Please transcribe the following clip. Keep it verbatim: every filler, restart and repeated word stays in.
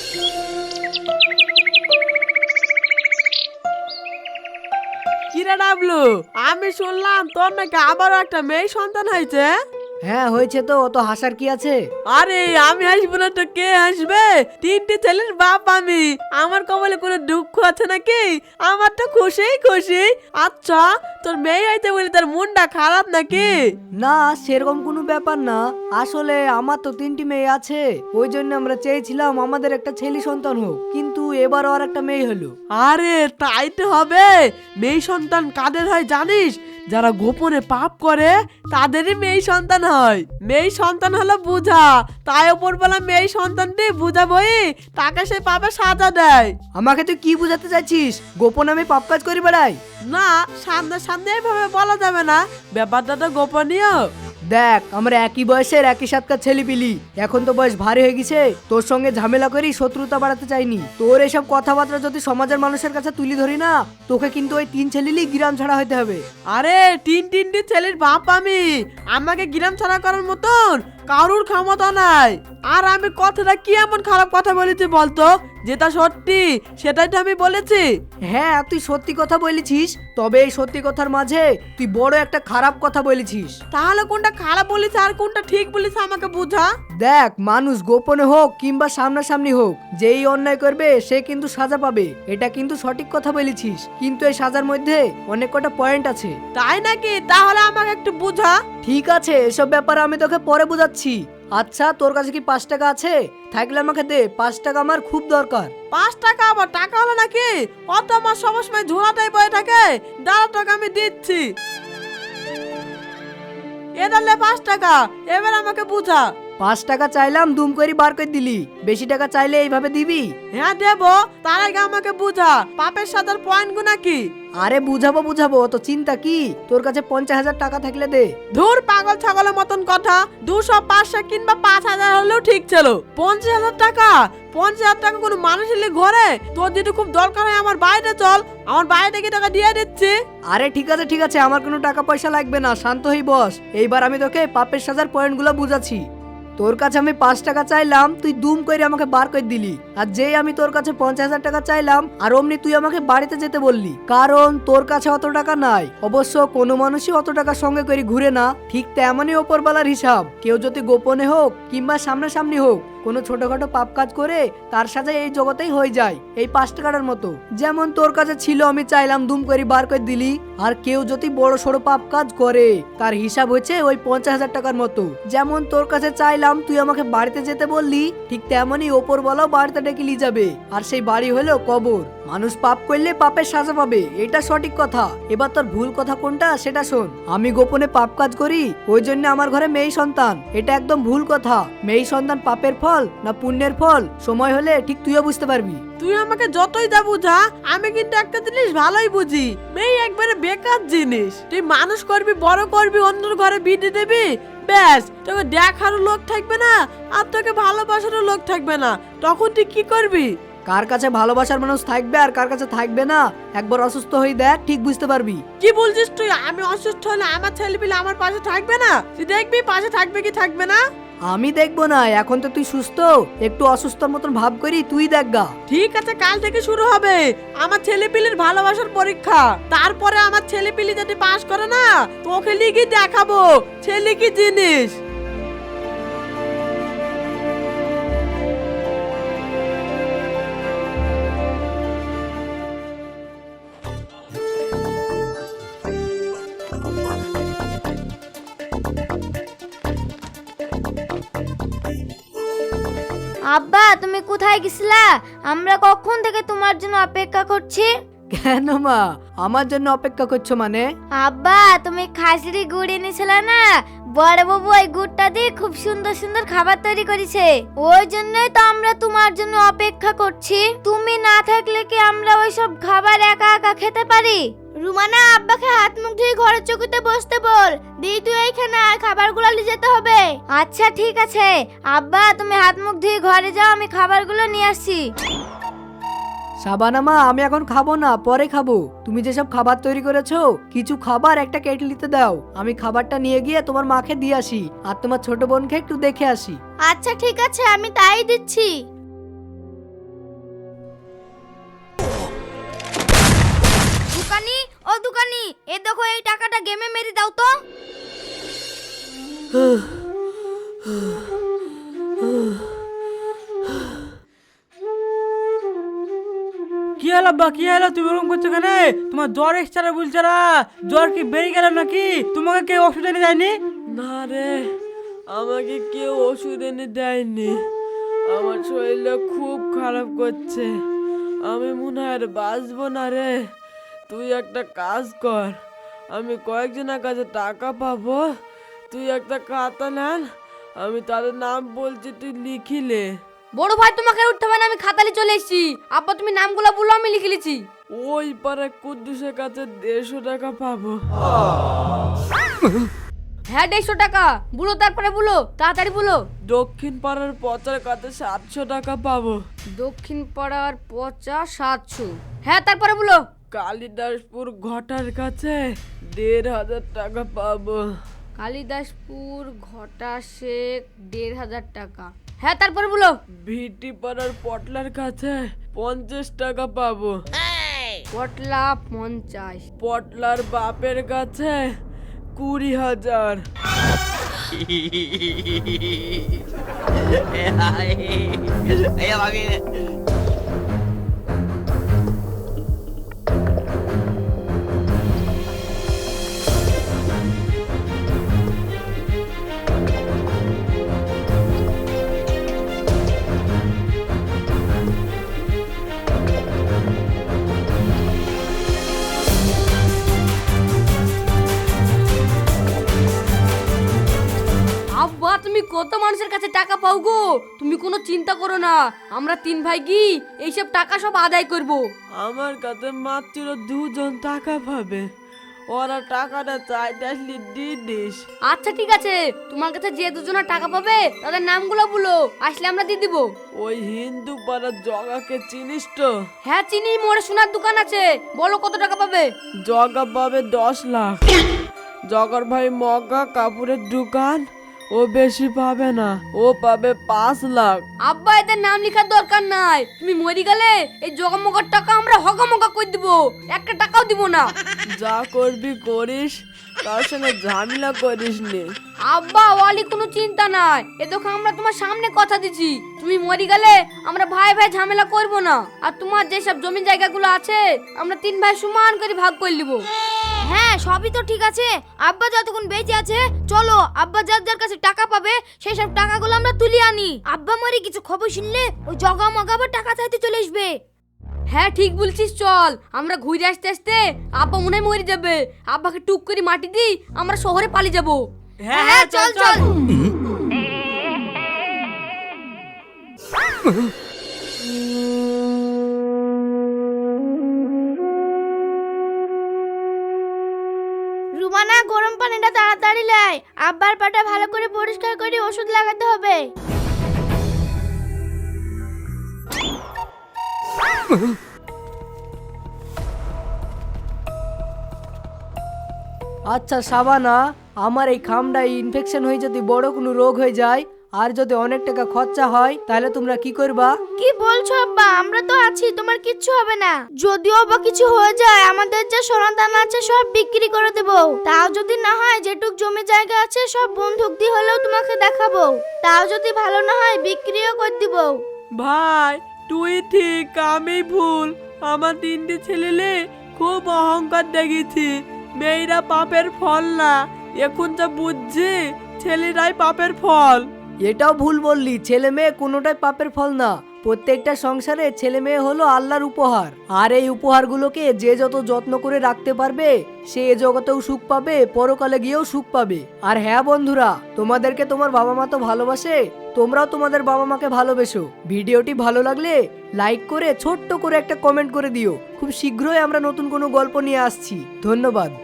কিরে ডাবলু, আমি শুনলাম তোর নাকি আবারও একটা মেয়ে সন্তান হয়েছে। হ্যাঁ হয়েছে তো, অত হাসার কি আছে? আরে আমি হাসবো না তো কে হাসবে? তিনটে ছেলের বাপ আমি, আমার কপালে কোনো দুঃখ আছে নাকি? আমার তো খুশি খুশি। আচ্ছা তোর মেয়ে হয়েছে বলে তার মনটা খারাপ নাকি? না সেরকম কোনো ব্যাপার না, আসলে আমার তো তিনটি মেয়ে আছে, ওই জন্য আমরা চেয়েছিলাম আমাদের একটা ছেলে সন্তান হোক, কিন্তু এবার আর একটা মেয়ে হলো। আরে তাই তো হবে। মেয়ে সন্তান কাদের হয় জানিস? যারা গোপনে পাপ করে তাদেরই মেয়ে সন্তান হয়। মেয়ে সন্তান হলো বুঝা, তাই ওপরবেলা মেয়ে সন্তানটি বুঝাবই, তাকে সে পাপে সাজা দেয়। আমাকে তুই কি বোঝাতে চাইছিস? গোপন আমি পাপ কাজ করি বেড়াই? না, সামনে সামনে এইভাবে বলা যাবে না, ব্যাপারটা তো গোপনীয়। দেখ আমরা একই বয়সের একই সাতকার ছেলে পিলি, এখন তো বয়স ভারী হয়ে গেছে, তোর সঙ্গে ঝামেলা করি শত্রুতা বাড়াতে চাইনি। তোর এসব কথাবার্তা যদি সমাজের মানুষের কাছে তুলি ধরি না, তোকে কিন্তু ওই তিন ছেলেলি গ্রাম ছাড়া হইতে হবে। আরে তিন তিনটি ছেলের বাপ আমি, আমাকে গ্রাম ছাড়া করার মতন কারুর ক্ষমতা নাই। আর আমি কথাটা কি এমন খারাপ কথা বলেছি বলতো? যেটা সত্যি সেটাই তো আমি বলেছি। হ্যাঁ তুই সত্যি কথা বলেছিস, তবে এই সত্যি কথার মাঝে তুই বড় একটা খারাপ কথা বলেছিস। তাহলে কোনটা খারাপ বলেছে আর কোনটা ঠিক বলেছে আমাকে বুঝা। দেখ মানুষ গোপনে হোক কিংবা সামনাসামনি হোক, যেই অন্যায় করবে সে কিন্তু সাজা পাবে, এটা কিন্তু সঠিক কথা বলেছিস, কিন্তু এই সাজার মধ্যে অনেক কটা পয়েন্ট আছে। তাই নাকি? তাহলে আমাকে একটু বুঝা। ঠিক আছে, এসব ব্যাপারে আমি তোকে পরে বোঝাচ্ছি। আচ্ছা তোর কাছে কি পাঁচ টাকা আছে? থাকলে আমাকে দে, পাঁচ টাকা আমার খুব দরকার। পাঁচ টাকা আবার টাকা হলো নাকি? অত আমার সবসময় ঝোলাটাই বয়ে থাকে। দাঁড়া টাকা আমি দিচ্ছি। এ দাঁড়লে পাঁচ টাকা, এবার আমাকে বুঝা। পাঁচ টাকা চাইলাম, দুম করে বার করে দিলি। বেশি টাকা চাইলে এইভাবে দিবি? হ্যাঁ দেবো, তার আগে আমাকে বুঝা পাপের সাদার পয়েন্ট গুনা কি? আরে বুঝাবো বুঝাবো, তো চিন্তা কি? তোর কাছে পঞ্চাশ হাজার টাকা থাকলে দে। ধুর পাগল ছাগলের মতন কথা, দুশো পাঁচশো কিংবা পাঁচ হাজার হলেও ঠিক ছিল। পঞ্চাশ হাজার টাকা? পঞ্চাশ হাজার টাকা কোনো মানুষের ঘরে? তোর যদি খুব দরকার হয় আমার বাড়িতে চল, আমার বাড়িতে কি টাকা দিয়ে দিচ্ছি। আরে ঠিক আছে ঠিক আছে, আমার কোনো টাকা পয়সা লাগবে না, শান্ত হই বস। এইবার আমি তোকে পাপের সাজার পয়েন্টগুলো বুঝাচ্ছি। তোর কাছে আমি পাঁচ টাকা চাইলাম, তুই দুম করে আমাকে বার করে দিলি। আর যেই আমি তোর কাছে পঞ্চাশ হাজার টাকা চাইলাম, আর অমনি তুই আমাকে বাড়িতে যেতে বললি, কারণ তোর কাছে অত টাকা নাই। অবশ্য কোনো মানুষই অত টাকা সঙ্গে করে ঘুরে না, ঠিক তেমনই ওপরবেলার হিসাব। কেউ যদি গোপনে হোক কিংবা সামনাসামনি হোক কোনো ছোটখাটো পাপ কাজ করে, তার সাথে এই জগতেই হয়ে যায় এই পাঁচ টাকার মতো। যেমন তোর কাছে ছিল, আমি চাইলাম দুম করে বার করে দিলি। আর কেউ যদি বড় সড়ো পাপ কাজ করে, তার হিসাব হচ্ছে ওই পঞ্চাশ হাজার টাকার মতো। যেমন তোর কাছে চাইলাম, তুই আমাকে বাড়িতে যেতে বললি, ঠিক তেমনই ওপর বলাও বাড়িতে ডেকে নিয়ে যাবে। আর সেই বাড়ি হলো কবর। মানুষ পাপ করলে পাপের সাজা পাবে, এটা সঠিক কথা। এবার তোর ভুল কথা কোনটা সেটা শোন। আমি গোপনে পাপ কাজ করি, ওই জন্য আমার ঘরে মেয়ে সন্তান, এটা একদম ভুল কথা। মেয়ে সন্তান পাপের ফল না পুণ্যের ফল, সময় হলে ঠিক তুইও বুঝতে পারবি। তুই আমাকে যতই যা বুঝা, আমি কিন্তু একটা জিনিস ভালোই বুঝি, মেয়ে একবারে বেকার জিনিস। তুই মানুষ করবি, বড় করবি, অন্যের ঘরে বিয়ে দিবি, ব্যাস তোকে দেখারও লোক থাকবে না, আর তোকে ভালোবাসারও লোক থাকবে না। তখন তুই কি করবি? কার কাছে ভালোবাসার মানুষ থাকবে আর কার কাছে থাকবে না, একবার অসুস্থ হয়ে দেখ, ঠিক বুঝতে পারবি। কি বলছিস তুই? আমি অসুস্থ হলে আমার ছেলে পিলে আমার পাশে থাকবে না? তুই দেখবি পাশে থাকবে কি থাকবে না। আমি দেখবো না, এখন তো তুই সুস্থ, একটু অসুস্থর মতন ভাব করি, তুই দেখগা। ঠিক আছে, কাল থেকে শুরু হবে আমার ছেলে পিলের ভালোবাসার পরীক্ষা। তারপরে আমার ছেলে পিলি যদি পাশ করে না, তোকে লিখে দেখাবো ছেলে কি জিনিস। আব্বা তুমি কোথায় গেছিলা? আমরা কখন থেকে তোমার জন্য অপেক্ষা করছি। কেন মা, আমার জন্য অপেক্ষা করছো মানে? আব্বা তুমি খাসির গুড় এনেছিলে না, বড় বাবু ওই গুড়টা দিয়ে খুব সুন্দর সুন্দর খাবার তৈরি করেছে, ওই জন্যই তো আমরা তোমার জন্য অপেক্ষা করছি। তুমি না থাকলে কি আমরা ওই সব খাবার একা একা খেতে পারি? রুমানা আব্বাকে হাত মুখ ধুয়ে ঘরের চৌকিতে বসতে বল, দি তুই এইখানে আর খাবারগুলো নিয়ে যেতে হবে। আচ্ছা ঠিক আছে আব্বা, তুমি হাত মুখ ধুয়ে ঘরে যাও, আমি খাবারগুলো নিয়ে আসছি। সাবানা মা, আমি এখন খাবো না, পরে খাবো। তুমি যেসব খাবার তৈরি করেছো, কিছু খাবার একটা কেটলিতে দাও, আমি খাবারটা নিয়ে গিয়ে তোমার মাকে দিয়ে আসি, আর তোমার ছোট বোনকে একটু দেখে আসি। আচ্ছা ঠিক আছে, আমি তাই দিচ্ছি। ও দোকানি, এ দেখো এই টাকাটা গেমে মেরে দাও তো। কি হলো বা কি হলো, তুমি ওরকম করছো কেন? তোমার জ্বর এসছে না বলছো না? জ্বর কি বেড়ে গেল নাকি? তোমাকে কেউ ওষুধ এনে দেয়নি? না রে, আমাকে কেউ ওষুধ এনে দেয়নি। আমার শরীরটা খুব খারাপ করছে, আমি মনে হয় আর বাঁচবো না রে। তুই একটা কাজ কর, আমি কয়েকজনের কাছে টাকা পাবো, তুই একটা খাতা নেন, আমি তাদের নাম বলছি, তুই লিখিলে। বড় ভাই তোমাকে উঠতে হবে না, আমি খাতালে চলে এসেছি। আব্বা তুমি নামগুলো বলো, আমি লিখে লিছি। ওই পারে কুদ্দুসের কাছে দেড়শো টাকা পাবো। হ্যাঁ দেড়শো টাকা বলো, তারপরে বলো, তাড়াতাড়ি বলো। দক্ষিণ পাড়ার পচার কাছে সাতশো টাকা পাবো। দক্ষিণ পাড়ার পচা সাতশো। হ্যাঁ তারপরে বলো। কালিদাসপুর ঘটার কাছে দেড় হাজার টাকা পাবো। কালিদাসপুর ঘটা শেখ দেড় হাজার টাকা। হ্যাঁ তারপরে বলো। ভিটি পাড়ার পটলার কাছে পঞ্চাশ টাকা পাবো। পটলা পঞ্চাশ। পটলার বাপের কাছে কুড়ি হাজার। আব্বা তুমি কত মানুষের কাছে টাকা পাও গো? তুমি কোনো চিন্তা করো না, আমরা তিন ভাই কি এইসব টাকা সব আদায় করব। আমার কাছে মাত্র দুজন টাকা পাবে, ওরা টাকাটা চাইতে আসলে দিয়ে দিস। আচ্ছা ঠিক আছে, তোমার কাছে যে দুজনের টাকা পাবে তাদের নামগুলো বলো, আসলে আমরা দিয়ে দিব। ওই হিন্দু পাড়ার জগাকে চিনিস তো? হ্যাঁ চিনি, মোড়ে সোনার দোকান আছে, বলো কত টাকা পাবে। জগা পাবে দশ লাখ। জগার ভাই মগা কাপড়ের দোকান, ও বেশি পাবে না, ও পাবে পাঁচ লাখ। আব্বা এদের নাম লেখার দরকার নাই, তুমি মরি গেলে এই জগমগার টাকা আমরা হগমগা করে দিব, একটা টাকাও দিব না। যা করবি করিস, কার সঙ্গে ঝামেলা করিস নি। আব্বা ওয়ালি কোনো চিন্তা নাই, এ দেখো আমরা তোমার সামনে কথা দিচ্ছি, তুমি মরি গেলে আমরা ভাই ভাই ঝামেলা করব না। আর তোমার যেসব জমি জায়গাগুলো আছে আমরা তিন ভাই সমান করে ভাগ করে নিব। হ্যাঁ সবই তো ঠিক আছে, আব্বা যতক্ষণ বেঁচে আছে চলো আব্বা যার যার কাছে টাকা পাবে সেই সব টাকাগুলো আমরা তুলে আনি। আব্বা মরে কিছু খবর শুনলে ওই জগা মগা আবার টাকা চাইতে চলে আসবে। হ্যাঁ ঠিক বলছিস, চল আমরা ঘুরে আসতে আসতে আব্বা মনে হয় মরে যাবে, আব্বাকে টুক করে মাটি দিই আমরা শহরে পালিয়ে যাব। হ্যাঁ হ্যাঁ চল চল। রুমানা গরম পানিটা তাড়াতাড়ি লাই, আব্বার পাটা ভালো করে পরিষ্কার করে ওষুধ লাগাতে হবে। আচ্ছা সাবানা, আমার এই খামটায় ইনফেকশন হয়ে যদি বড় কোনো রোগ হয়ে যায় আর যদি অনেক টাকা খরচা হয় তাহলে তোমরা কি করবা? কি বলছো আব্বা, আমরা তো আছি, তোমার কিচ্ছু হবে না। যদিও বা কিছু হয়ে যায় আমাদের যে সোনা দানা আছে সব বিক্রি করে দেব, তাও যদি না হয় যেটুক জমি জায়গা আছে সব বন্ধক দিয়ে হলেও তোমাকে দেখাবো, তাও যদি ভালো না হয় বিক্রিও করে দিব। ভাই তুই ঠিক, আমি ভুল। আমার তিনটে ছেলেলে খুব অহংকার দেখেছি, মেয়েরা পাপের ফল না, এখন যা বুঝছি ছেলেরাই পাপের ফল। এটাও ভুল বললি, ছেলে মেয়ে কোনোটাই পাপের ফল না। প্রত্যেকটা সংসারে ছেলে মেয়ে হলো আল্লাহর উপহার, আর এই উপহারগুলোকে যে যত যত্ন করে রাখতে পারবে সে এ জগতেও সুখ পাবে, পরকালে গিয়েও সুখ পাবে। আর হ্যাঁ বন্ধুরা, তোমাদেরকে তোমার বাবা মা তো ভালোবাসে, তোমরাও তোমাদের বাবা মাকে ভালোবেসো। ভিডিওটি ভালো লাগলে লাইক করে ছোট্ট করে একটা কমেন্ট করে দিও। খুব শীঘ্রই আমরা নতুন কোনো গল্প নিয়ে আসছি। ধন্যবাদ।